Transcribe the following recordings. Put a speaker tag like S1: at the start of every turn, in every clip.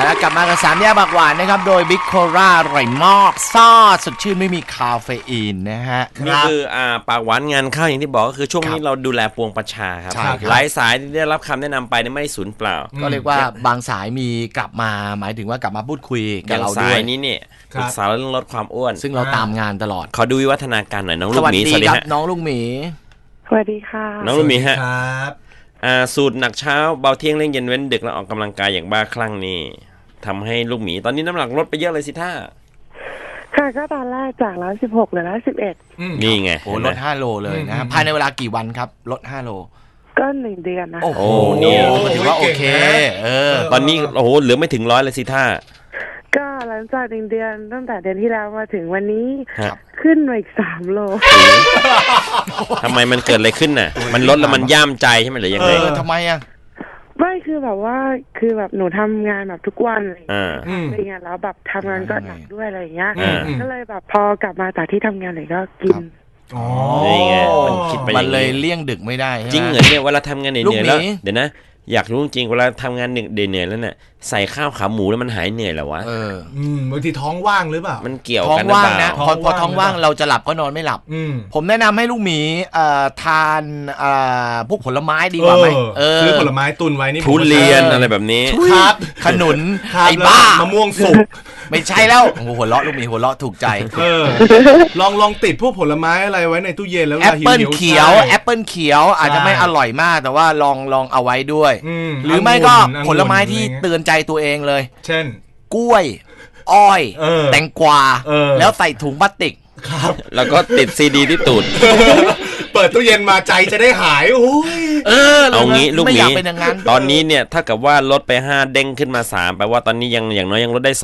S1: แล้วกลับมากับ3แยกปากหวานนะครับโดยบิ๊กโคล่าอร่อยมากซ่าสดชื่นไม่มีคาเฟอีนนะฮะ
S2: นี่คือปากหวานงานเข้าอย่างที่บอกก็คือช่วงนี้เราดูแลปวงประชาครับหลายสายที่ได้รับคำแนะนำไปไม่ได้สูญเปล่า
S1: ก็เรียกว่าบางสายมีกลับมาหมายถึงว่ากลับมาพูดคุยกับเราด้วย
S2: สายนี้เนี่ยปรึกษาเรื่องลดความอ้วน
S1: ซึ่งเราตามงานตลอด
S2: ขอดูวิวัฒนาการหน่อยน้องลูกหมี
S1: สวัสดีครับน้องลูกหมี
S3: สวัสดีค่ะ
S2: น้องลูกหมีฮะสูตรหนักเช้าเบาเที่ยงเล่นเย็นเว้นดึกแล้วออกกำลังกายอย่างบ้าคลั่งนี่ทำให้ลูกหมีตอนนี้น้ำหนักลดไปเยอะเลยสิท่า
S3: ค่ะก็ตอนแรกจาก116เหลือ111
S2: นี่ไง
S1: โอ้ลด5 โลเลยนะภายในเวลากี่วันครับลด5 โล
S3: ก็1 เดือนนะ
S1: โอ้โหนี่ถือว่าโอเค
S2: ตอนนี้โอ้โหเหลือไม่ถึง100เลยสิท่า
S3: ก็หลังจาก1 เดือนตั้งแต่เดือนที่แล้วมาถึงวันนี้ขึ้นมาอีก3 โล
S2: ทำไมมันเกิดอะไรขึ้นน่ะมันลดแล้วมันย่ามใจใช่ไหมหรือยังไง
S1: ทำไมอ่ะ
S3: ไม่คือแบบว่าคือแบบหนูทำงานแบบทุกวันอะไรอย่างเงี้ยแล้วแบบทำงานก็หนักด้วยอะไรอย่างเงี้ยก็เลยแบบพอกลับมาจากที่ทำงานเลยก็กิน
S2: นี่ไงมันคิดไป
S1: มันเลยเลี่ยงดึกไม่ได้
S2: จริงเหรอเนี่ยเวลาทำงานเหนื่อยแล้วเดี๋ยวนะอยากรู้จริงเวลาทำงานเหนื่อยแล้วเนี่ยใส่ข้าวขาหมูแล้วมันหายเหนื่อยแล้ววะ
S4: บางทีท้องว่างหรือเปล่า
S2: มันเกี่ยวกัน
S1: ท้องว่างนะพอท้องว่างเราจะหลับก็นอนไม่หลับผมแนะนำให้ลูกหมีทานพวกผลไม้ดีกว่าไหม
S4: ซื้อผลไม้ตุนไว้นี่
S2: ทุเรียนอะไรแบบนี้
S1: ครับขนุนไอ้บ้าม
S4: ะม่วงสุก
S1: ไม่ใช่แล้วหัวเราะลูกหมีหัวเราะถูกใจ
S4: ลองติดพวกผลไม้อะไรไว้ในตู้เย็นแล้ว
S1: แอปเปิลเขียวแอปเปิลเขียวอาจจะไม่อร่อยมากแต่ว่าลองเอาไว้ด้วยหรือไม่ก็ผลไม้ที่เตือนใจตัวเองเลย
S4: เช่น
S1: กล้วยอ้อยแตงกวาแล้วใส่ถุงพลาสติก
S4: ครับ
S2: แล้วก็ติดซีดีที่ตูด
S4: เปิดตู้เย็นมาใจจะได้หาย
S2: เอางี้ลูกหมีตอนนี้เนี่ยถ้ากับว่าลดไป5เด้งขึ้นมา3แปลว่าตอนนี้อย่างน้อยยังลดได้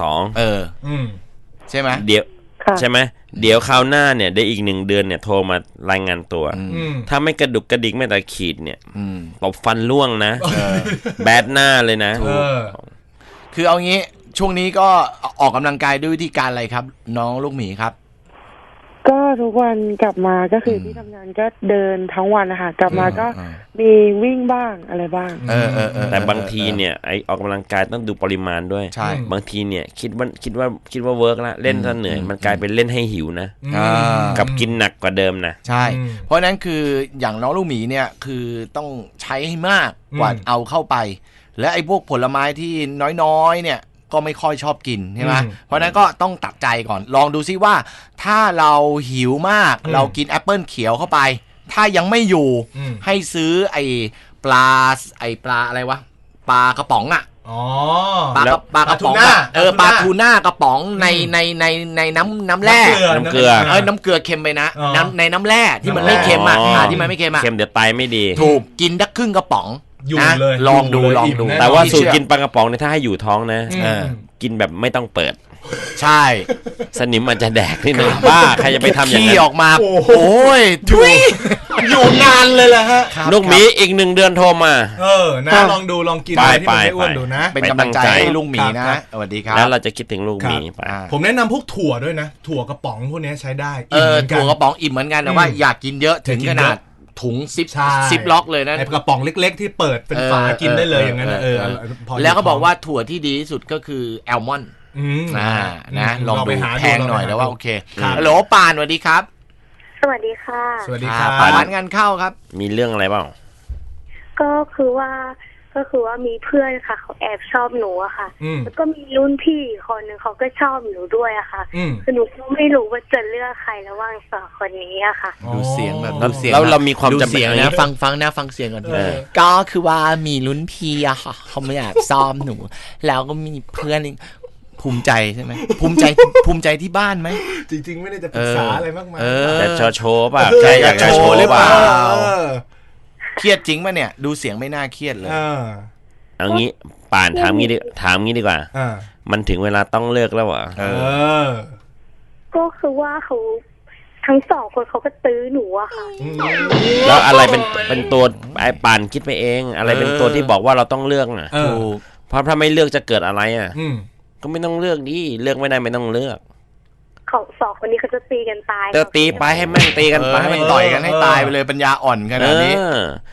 S1: 2ใช่ไหม
S2: เดี๋ยวใช่ไหมเดี๋ยวคราวหน้าเนี่ยได้อีก1 เดือนเนี่ยโทรมารายงานตัวถ้าไม่กระดุกกระดิกไม่แต่ขีดเนี่ยตบฟันล่วงนะแบดหน้าเลยนะ
S1: คือเอางี้ช่วงนี้ก็ออกกำลังกายด้วยวิธีการอะไรครับน้องลูกหมีครับ
S3: ก็ทุกวันกลับมาก็คือที่ทำงานก็เดินทั้งวันนะคะกลับมาก็มีวิ่งบ้างอะไรบ้าง
S2: แต่บางทีเนี่ยไอออกกำลังกายต้องดูปริมาณด้วย
S1: ใช่
S2: บางทีเนี่ยคิดว่าเวิร์กละเล่นซะเหนื่อยมันกลายเป็นเล่นให้หิวนะกับกินหนักกว่าเดิมนะ
S1: ใช่เพราะนั้นคืออย่างน้องลูกหมีเนี่ยคือต้องใช้ให้มากกว่าเอาเข้าไปและไอ้พวกผลไม้ที่น้อยๆเนี่ยก็ไม่ค่อยชอบกินใช่ไหมเพราะนั้นก็ต้องตัดใจก่อนลองดูซิว่าถ้าเราหิวมากเรากินแอปเปิลเขียวเข้าไปถ้ายังไม่อยู่ให้ซื้อไอ้ปลาอะไรวะปลากระป๋องอ่ะปลากระป๋องปลาทูน่ากระป๋องในน้ำแร่
S2: น้ำเกลือ
S1: น้ำเกลือเค็มไปนะในน้ำแร่ที่มันไม่เค็มที่มันไม่เค็ม
S2: เค็มเดี๋ยวไตไม่ดี
S1: ถูกกินได้ครึ่งกระป๋อง
S4: นะ
S1: ลองดู
S2: แต่ว่าสูตรกินปลากระป๋องเนี่ยถ้าให้อยู่ท้องนะกินแบบไม่ต้องเปิด
S1: ใช่
S2: สนิมมันจะแดกนี่นะบ้าใครจะไปทำอย่างนั้น
S1: ขี้ออกมาโอ้ยทุย
S4: อยู่นานเลยแหละฮะ
S2: ลูกหมีอีก1 เดือนโทรมา
S4: นะลองดูลองกินอะไรที่มันไม่อ้วนดูนะ
S1: เป็นกำลังใจให้ลูกหมีนะสวัสดีครับ
S2: แล้วเราจะคิดถึงลูกหมีไป
S4: ผมแนะนำพวกถั่วด้วยนะถั่วกระป๋องพวกนี้ใช้ได้
S1: ถั่วกระป๋องอิ่มเหมือนกันแต่ว่าอยากกินเยอะถึงขนาดถุงซิปล็อกเลยนะ
S4: ไอ้กระป๋องเล็กๆที่เปิดเป็นฝากินได้เลยอย่างนั้น
S1: แล้วก็บอกว่าถั่วที่ดีที่สุดก็คือแอลมอนด์นะลองดูแพงหน่อยแล้วว่าโอเคฮัลโหลปานสวัสดีครับ
S3: สวัสดีค่ะ
S4: สวัสดีครับ
S1: ปานงานเข้าครับ
S2: มีเรื่องอะไรบ้าง
S3: ก็คือว่ามีเพื่อนค่ะเขาแอบชอบหนูอะค่ะแล้วก็มีรุ่นพี่คนนึงเขาก็ชอบหนูด้วยอะค่ะคือหนูก็ไม่รู้ว่าจะเลือกใครระหว่าง2 คนนี้อะค่ะ
S1: ดูเสียงแบบ
S2: แล้วเรามีความจำ
S1: เป็นนะฟังเสียงก่อนก็คือว่ามีรุ่นพี่อะค่ะเขาไม่อยากซ้อมหนูแล้วก็มีเพื่อนภูมิใจใช่ไหมภูมิใจที่บ้านไหม
S4: จริงๆไม่ได้จะปรึกษาอะไรมากมาย
S2: แต่โชว์ป่ะใครอยากโชว์หรือเปล่า
S1: เครียดจริงป่ะเนี่ยดูเสียงไม่น่าเครียดเลย
S2: เอางี้ป่านถามงี้ดีกว่ามันถึงเวลาต้องเลิกแล้วเหรอ
S3: ก็คือว่าเขาทั้ง2 คนเขาก็ตื้อหนูอะค่ะ
S2: แล้วอะไรเป็นตัวไอ้ป่านคิดไปเองอะไรเป็นตัวที่บอกว่าเราต้องเลือกอ่ะเพราะถ้าไม่เลือกจะเกิดอะไรอ่ะก็ไม่ต้องเลือกดิเลือกไม่ได้ไม่ต้องเลือก
S3: เขา2 คนนี้เขาจะตีกันตาย
S2: จะตีไปให้แม่งตีกันไป
S1: ให้มันต่อยกันให้ตายไปเลยปัญญาอ่อนขนาดนี้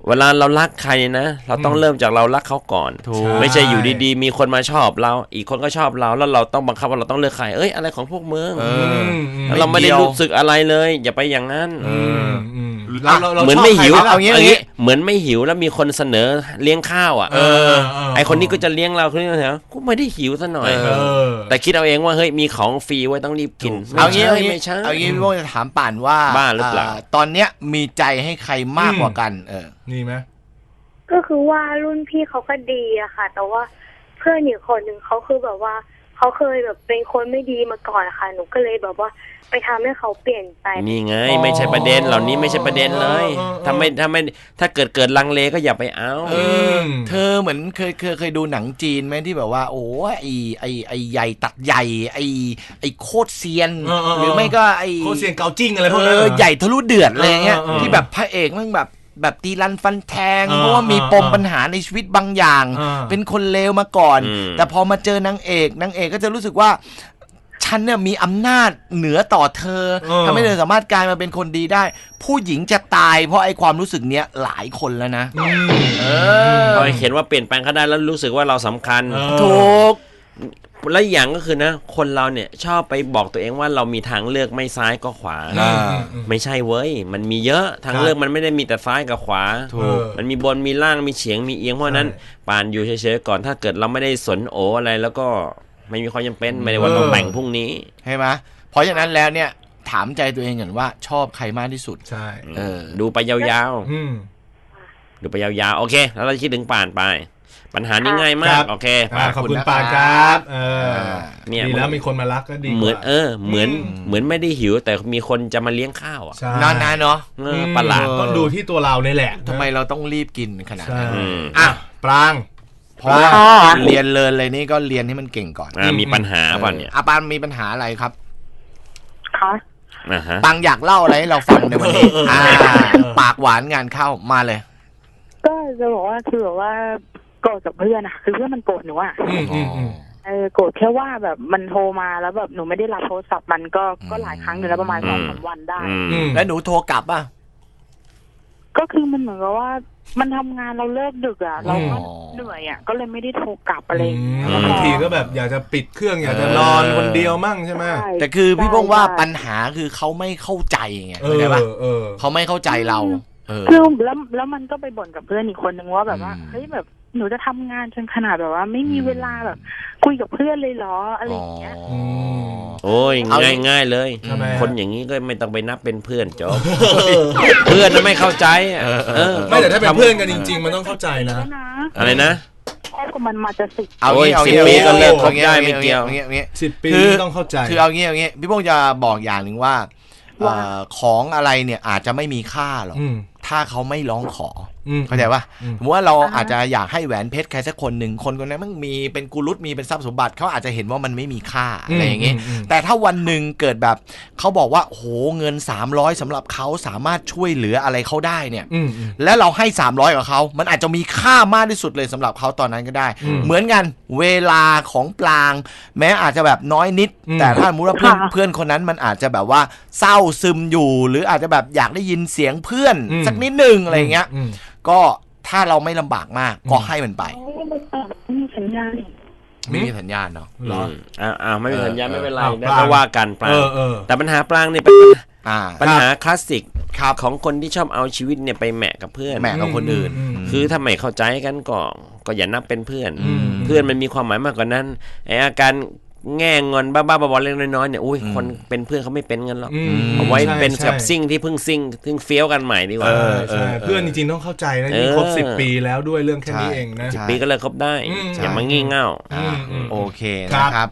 S2: เวลาเรารักใครนะเราต้องเริ่มจากเรารักเขาก่อนไม่ใช่อยู่ดีๆมีคนมาชอบเราอีกคนก็ชอบเราแล้วเราต้องบังคับว่าเราต้องเลือกใครอะไรของพวกมึงเราไม่ได้รู้สึกอะไรเลยอย่าไปอย่างนั้นเหมือนไม่หิวเอางี้เหมือนไม่หิวแล้วมีคนเสนอเลี้ยงข้าวไอคนนี้ก็จะเลี้ยงเราคนนี้เหรอกูไม่ได้หิวซะหน่อยแต่คิดเอาเองว่าเฮ้ยมีของฟรีไว้ต้องรีบกิน
S1: เอางี้พี่โบ้จะถามป่านว่า
S2: บ้าหรือเปล่า
S1: ตอนเนี้ยมีใจให้ใครมากกว่ากัน
S4: นี่ไหม
S3: ก็คือว่ารุ่นพี่เขาก็ดีอะค่ะแต่ว่าเพื่อนอีกคนหนึ่งเขาคือแบบว่าเขาเคยแบบเป็นคนไม่ดีมาก่อนค่ะหนูก็เลยแบบว่าไปทำให้เขาเปลี่ยนไป
S2: นี่ไงไม่ใช่ประเด็นเหล่านี้ไม่ใช่ประเด็นเลยถ้าเกิดลังเลก็อย่าไปเอา
S1: เธอเหมือนเคยดูหนังจีนไหมที่แบบว่าโอ้ไอใหญ่ตัดใหญ่ไอโคตรเซียนหรือไม่ก็ไอ
S4: โคตรเซียนเกาจิ้งอะไรพวกนั้น
S1: ใหญ่ทะลุเดือดอะไรเงี้ยที่แบบพระเอกมันแบบตีรันฟันแทงเพราะว่ามีปมปัญหาในชีวิตบางอย่างเป็นคนเลวมาก่อนแต่พอมาเจอนางเอกก็จะรู้สึกว่าฉันเนี่ยมีอำนาจเหนือต่อเธอทำให้เธอสามารถกลายมาเป็นคนดีได้ผู้หญิงจะตายเพราะไอ้ความรู้สึกเนี้ยหลายคนแล้วนะ
S2: พอเห็นว่าเปลี่ยนแปลงเขาได้แล้วรู้สึกว่าเราสำคัญ
S1: ถูก
S2: และอย่างก็คือนะคนเราเนี่ยชอบไปบอกตัวเองว่าเรามีทางเลือกไม่ซ้ายก็ขวาไม่ใช่เว้ยมันมีเยอะทางเลือกมันไม่ได้มีแต่ซ้ายกับขวามันมีบนมีล่างมีเฉียงมีเอียงเพราะนั้นปานอยู่เฉยๆก่อนถ้าเกิดเราไม่ได้สนโออะไรแล้วก็ไม่มีความจำเป็นไม่ได้ว่าต้องแต่งพรุ่งนี้
S1: ใช่ไหมเพราะฉะนั้นแล้วเนี่ยถามใจตัวเองก่อนว่าชอบใครมากที่สุด
S4: ใช่
S2: ดูไปยาวๆดูไปยาวๆโอเคแล้วเราคิดถึงป่านไปปัญหานี้ง่ายมากโอเค
S4: ขอบคุณป่านครับเนี่ยดีแล้วมีคนมารักก็ดี
S2: เหมือนเหมือนไม่ได้หิวแต่มีคนจะมาเลี้ยงข้าว
S1: นานๆเนาะ
S2: ประหลาด
S4: ก็ดูที่ตัวเราเนี่ยแหละ
S1: ทำไมเราต้องรีบกินขนาดนั้น
S4: ปราง
S1: เพราะว่าเรียนเลยนี่ก็เรียนให้มันเก่งก่อน
S2: มีปัญหาป่ะเนี่ย
S1: ปานมีปัญหาอะไรครับ
S3: คะ
S1: ปังอยากเล่าอะไรให้เราฟังในวันนี้ปากหวานงานเข้ามาเลย
S3: ก็จะบอกว่าคือแบบว่าโกรธกับเพื่อนอะคือเพื่อนมันโกรธหนูอะโกรธแค่ว่าแบบมันโทรมาแล้วแบบหนูไม่ได้รับโทรศัพท์มันก็หลายครั้งอยู่แล้วประมาณ2-3 วันได้
S1: แล้วหนูโทรกลับป่ะ
S3: ก็คือมันเหมือนกับว่ามันทำงานเราเลิกดึกอะเราก็เหนื่อยอะก็เลยไม่ได้โทรกลับอะไร
S4: บางทีก็แบบอยากจะปิดเครื่องอยากจะนอนคนเดียวมั่งใช่ไหม
S1: แต่คือพี่ป้องว่าปัญหาคือเขาไม่เข้าใจไงเข้าใจป่ะเขาไม่เข้าใจเรา
S3: คือแล้วมันก็ไปบ่นกับเพื่อนอีกคนนึงว่าแบบว่าเฮ้ยแบบหนูจะทำงานจนขนาดแบบว่าไม่มีเวลาแบบคุยกับเพื่อนเลยเหรออะไรอย่างเงี้ย
S2: โอ้ยง่ายเลยคนอย่างนี้ก็ไม่ต้องไปนับเป็นเพื่อนจบเพื่อนไม่เข้าใจ
S4: ไม่แต่ถ้าเป็นเพื่อนกันจริงๆมันต้องเข้าใจนะ
S2: อะไรนะ
S3: แค่กับมันมาจะ
S2: 10 ปีก็เลิกคบได้ไม่เกี่ยว
S4: 10 ปีต้องเข้าใจ
S1: คือเอางี้พี่พงษ์จะบอกอย่างหนึ่งว่าของอะไรเนี่ยอาจจะไม่มีค่าหรอกถ้าเขาไม่ร้องขอเข้าใจป่ะสมมติว่าเราอาจจะอยากให้แหวนเพชรใครสักคนหนึ่งคนนั้นมันมีเป็นกุลุตมีเป็นทรัพย์สมบัติเขาอาจจะเห็นว่ามันไม่มีค่าอะไรอย่างงี้แต่ถ้าวันหนึ่งเกิดแบบเขาบอกว่าโหเงิน300สำหรับเขาสามารถช่วยเหลืออะไรเขาได้เนี่ยและเราให้300กับเขามันอาจจะมีค่ามากที่สุดเลยสำหรับเขาตอนนั้นก็ได้เหมือนกันเวลาของปลางแม้อาจจะแบบน้อยนิดแต่ถ้าสมมติว่าเพื่อนคนนั้นมันอาจจะแบบว่าเศร้าซึมอยู่หรืออาจจะแบบอยากได้ยินเสียงเพื่อนสักนิดนึงอะไรเงี้ยก็ถ้าเราไม่ลำบากมากก็ให้มันไป
S3: ไม่มีสัญญาณ
S1: ไม่มีสัญญาณเนาะ
S2: ไม่มีสัญญาณไม่เป็นไรไม่ว่ากันปลางแต่ปัญหาปลางเนี่ยเป็นปัญหาคลาสสิกของคนที่ชอบเอาชีวิตเนี่ยไปแหมะกับเพื่อน
S1: แหมะกับคนอื่น
S2: คือถ้าไม่เข้าใจกันก็อย่านับเป็นเพื่อนเพื่อนมันมีความหมายมากกว่านั้นไออาการแง่งอนบ้าๆบอๆเล็กน้อยๆเนี่ยอุ้ยคนเป็นเพื่อนเขาไม่เป็นกันหรอกเอาไว้เป็นแบบซิ่งที่เพิ่งเฟี้ยวกันใหม่ดีกว่า
S4: เพื่อนจริงๆต้องเข้าใจนะนี่ครบ10 ปีแล้วด้วยเรื่องแค่นี้เองนะ
S2: 10 ปีก็เลยครบได้อย่ามางี่เง่า
S1: โอเคนะครับ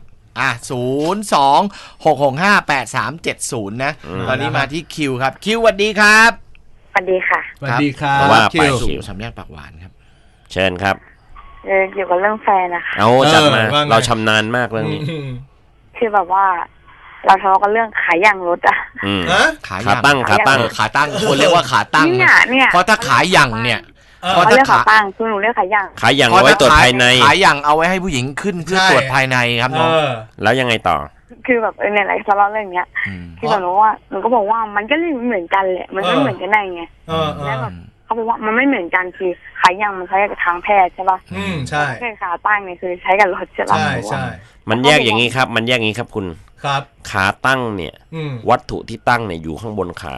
S1: 02-665-8370นะตอนนี้มาที่คิวครับคิวสวัสดีครับ
S3: สวัสดีค่ะ
S4: สวัสดีครับ
S2: ว่าไป
S1: คิวสามแยกปากหวานครับ
S2: เชิญครับ
S3: เกี่ยวกับเรื่องแฟนนะคะ
S2: เอาจัดมาเราชำนาญมากเรื่องนี้
S3: คือแบบว่าเราทะเลาะกันเรื่องขายยางรถอะ
S2: ขาตั้ง
S1: คนเรียกว่าขาตั้ง
S3: เนี่ย
S1: เพราะถ้าขายยางเนี่ย
S3: เพราะถ้าขาตั้งคือหนูเรียกขายยาง
S2: เอาไว้ตรวจภายใน
S1: ขายยางเอาไว้ให้ผู้หญิงขึ้นเพื่อตรวจภายในครับน้อง
S2: แล้วยังไงต่อ
S3: คือแบบเนี่ยอะไรทะเลาะเรื่องเนี้ยที่แบบรู้ว่าหนูก็บอกว่ามันก็เหมือนกันแหละมันไม่เหมือนกันได้ไงแล้วแบบเขา
S5: เขาบอกว่ามันไม่เหมือนกันคือขายังมันใช้กับทางแพทย์ใช่ป่ะ
S4: ใช่
S5: แค่ขาตั้งเนี่ยคือใช้กับรถใช่ป่ะ
S4: ใช่
S2: มันแยกอย่างนี้ครับคุณ
S4: ครับ
S2: ขาตั้งเนี่ยวัตถุที่ตั้งเนี่ยอยู่ข้างบนขา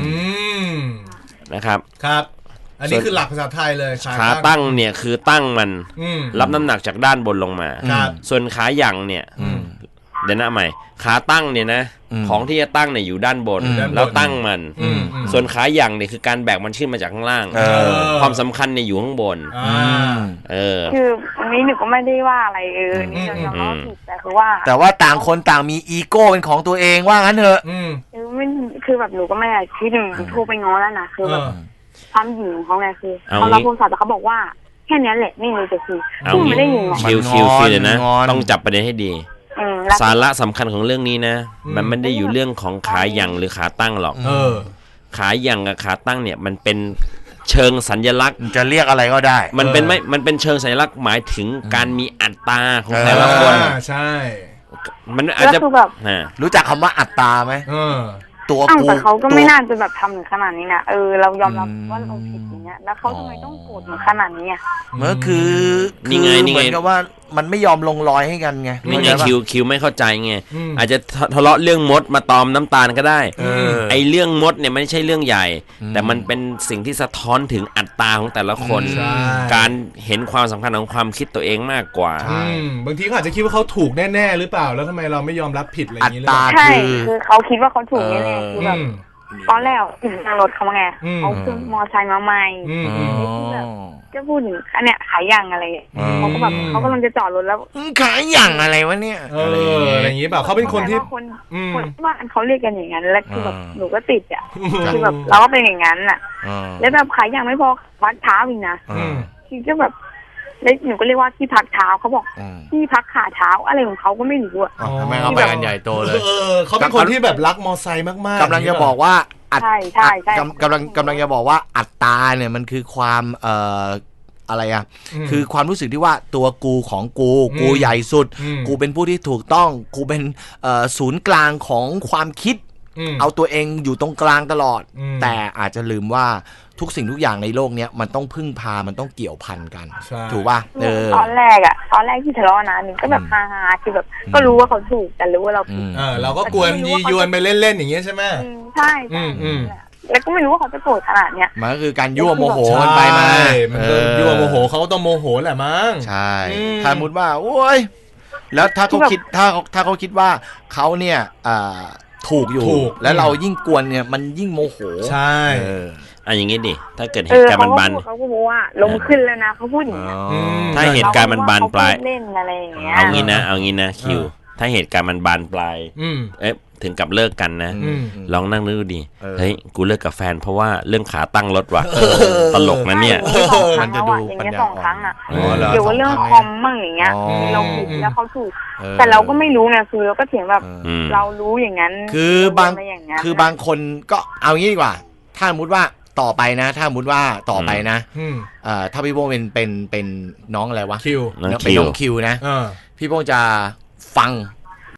S2: นะครับ
S4: ครับอันนี้คือหลักภาษาไทยเลย
S2: ขาตั้งเนี่ยคือตั้งมันรับน้ำหนักจากด้านบนลงมาส่วนขาหยั่งเนี่ยเดี๋ยวนะใหม่ขาตั้งเนี่ยนะของที่จะตั้งเนี่ยอยู่ด้านบนแล้วตั้งมันส่วนขาหยั่งเนี่ยคือการแบกมันขึ้นมาจากข้างล่างความสำคัญเนี่ยอยู่ข้างบน
S5: คืออันนี้หนูก็ไม่ได้ว่าอะไรนี่เรายอมรับผิดแต่
S1: ว่าต่างคนต่างมีอีโก้เป็นของตัวเองว่างั้นเถอะ
S5: ไม่คือแบบหนูก็ไม่คิดหนูโทรไปง้อแล้วนะคือแบบความหญิงของเขาไงคือเขารับโทรศัพท์แต่เขาบอกว่าแค่นี้แหละไม่มีจะคือไม่ได้ยิน
S2: คิวเลยนะต้องจับประเด็นให้ดีสาระสำคัญของเรื่องนี้นะมันไม่ได้อยู่เรื่องของขาหยั่งหรือขาตั้งหรอกขาหยั่งกับขาตั้งเนี่ยมันเป็นเชิงสัญลักษณ์
S1: จะเรียกอะไรก็ได้
S2: มันเป็นเชิงสัญลักษณ์หมายถึงการมีอัตราของแต่ละคน
S4: ใช่
S2: มันอาจจะ
S1: รู้จักคำว่าอัตราไหมตัวกู
S5: แต่เขาก็ไม่น่าจะแบบทำถึงขนาดนี้นะเรายอมรับว่าเราผิดอย่างเงี้ยแล้วเขาทำไมต้องโกรธถึงขนาดนี้อ่ะ
S1: มันคือ
S2: นี่ไง
S1: เหมือนกับว่ามันไม่ยอมลงรอยให้กันไง
S2: นี่ไงคิวไม่เข้าใจไงอาจจะทะเลาะเรื่องมดมาตอมน้ำตาลก็ได้ไอเรื่องมดเนี่ยไม่ใช่เรื่องใหญ่แต่มันเป็นสิ่งที่สะท้อนถึงอัตราของแต่ละคนการเห็นความสำคัญของความคิดตัวเองมากกว่า
S4: บางทีเขาอาจจะคิดว่าเขาถูกแน่ๆหรือเปล่าแล้วทำไมเราไม่ยอมรับผิดอะไรอย่างนี้เลย
S5: ใช่คือเขาคิดว่าเขาถูกแน่ๆคือแบบตอนแรกทางรถเขาไงเขาขึ้นมอไซค์มาใหม่ก็พูดถึงอันเนี้ยขายย่างอะไรเขาก็แบบเขากำลังจะจอดรถแล้ว
S1: ขายย่างอะไรวะเนี่ย
S4: อะไรอย่างนี้แบบเขาเป็นคนที่
S5: คนว่าเขาเรียกกันอย่างนั้นแล้วคือแบบหนูก็ติดอ่ะคือแบบเราก็เป็นอย่างนั้นอ่ะแล้วแบบขายย่างไม่พอวัดเท้าอีกนะคือก็แบบแล้วหนูก็เรียกว่าที่พักเท้าเขาบอกที่พักขาเท้าอะไรของเขาก็ไม่รู้อ่ะ
S1: ทำไมเขาไปกันใหญ่โตเลย
S4: เขาเป็นคนที่แบบรักมอไซค์มากๆ
S1: กำลังจะบอกว่า
S5: ใช่ใช่
S1: กำลังจะบอกว่าอัตตาเนี่ยมันคือความอะไรอ่ะคือความรู้สึกที่ว่าตัวกูของกูใหญ่สุดกูเป็นผู้ที่ถูกต้องกูเป็นศูนย์กลางของความคิดเอาตัวเองอยู่ตรงกลางตลอดแต่อาจจะลืมว่าทุกสิ่งทุกอย่างในโลกนี้มันต้องพึ่งพามันต้องเกี่ยวพันกันถูกป่ะ
S5: ตอนแรกที่ทะเลาะนะนึงก็แบบฮาๆคือแบบก็รู้ว่าเขาถูกแต่รู้ว่าเราผิด
S4: เราก็กวนยียวนไปเล่นๆอย่างเงี้ยใช่ไหม
S5: ใช่แล้วก็ไม่รู้ว่าเขาจะโกรธขนาดเนี้ย
S1: มันก็คือการยั่วโมโหกันไปมา
S4: มันยั่วโมโหเขาต้องโมโหแหละมั้ง
S1: ใช่ถ้ามุดว่าโอ้ยแล้วถ้าเขาคิดถ้าเขาคิดว่าเขาเนี่ยถูกอยู่แล้วเรายิ่งกวนเนี่ยมันยิ่งโมโห
S4: ใช่
S2: อย่างงี้ดิถ้าเกิดเหตุการณ์มันบาน
S5: เขาก็บอกว่าลงขึ้นแล้วนะเขาพูดอย่างนี้
S2: ถ้าเหตุการณ์มันบานปลาย
S5: เล่นอะไรอย่างเงี้ย
S2: เอางี้นะคิวถ้าเหตุการณ์มันบานปลายถึงกับเลิกกันนะลองนั่งนึกดูดิเฮ้ยกูเลิกกับแฟนเพราะว่าเรื่องขาตั้งรถว่ะตลกนะเนี่ย
S1: มันจะดู
S5: ปัญญาอ่อน2 ครั้งอ่ะเกี่ยวกับเรื่องคอมมั่งอย่างเงี้ยเราผิดแล้วเขาถูกแต่เราก็ไม่รู้ไงคือเราก็เถียงแบบเรารู้อย่างนั้น
S1: คือบางคนก็เอางี้ดีกว่าถ้าสมมติว่าต่อไปนะถ้าสมมติว่าต่อไปนะถ้าพี่โป้งเป็นน้องอะไรวะ
S4: คิว
S1: เป็นน้องคิวนะพี่โป้งจะฟัง